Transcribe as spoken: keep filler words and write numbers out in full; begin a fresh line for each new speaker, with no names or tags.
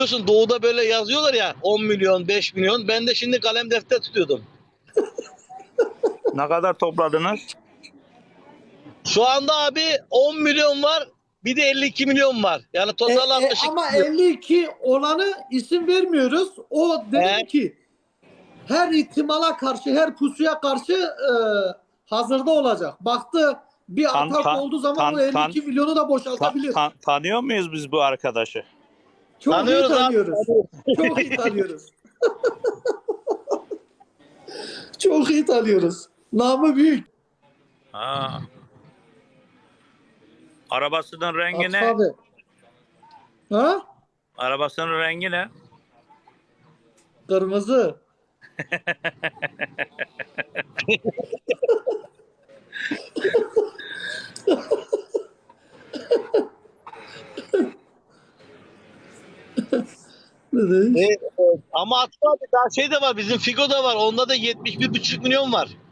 biliyorsun doğuda böyle yazıyorlar ya on milyon, beş milyon. Ben de şimdi kalem defter tutuyordum.
Ne kadar topladınız?
Şu anda abi on milyon var. Bir de elli iki milyon var. Yani
E,
total
e,
altmış iki
ama
milyon.
elli iki olanı isim vermiyoruz. O dedim
He.
ki her ihtimala karşı, her pusuya karşı e, hazırda olacak. Baktı bir
Tan-
atak
tan-
olduğu zaman
tan-
o elli
tan-
iki milyonu da
Ta-
boşaltabilir.
ta- tanıyor muyuz biz bu arkadaşı?
Çok
Tanıyoruz
iyi
abi.
tanıyoruz. Çok iyi tanıyoruz. Çok iyi tanıyoruz. Namı büyük.
Ha. Arabasının rengi
Atıf
ne?
abi. Ha?
Arabasının rengi ne?
Kırmızı. Ne demiş?
E, e, ama Atıf abi daha şey de var. Bizim Figo da var. Onda da yetmiş bir buçuk milyon var.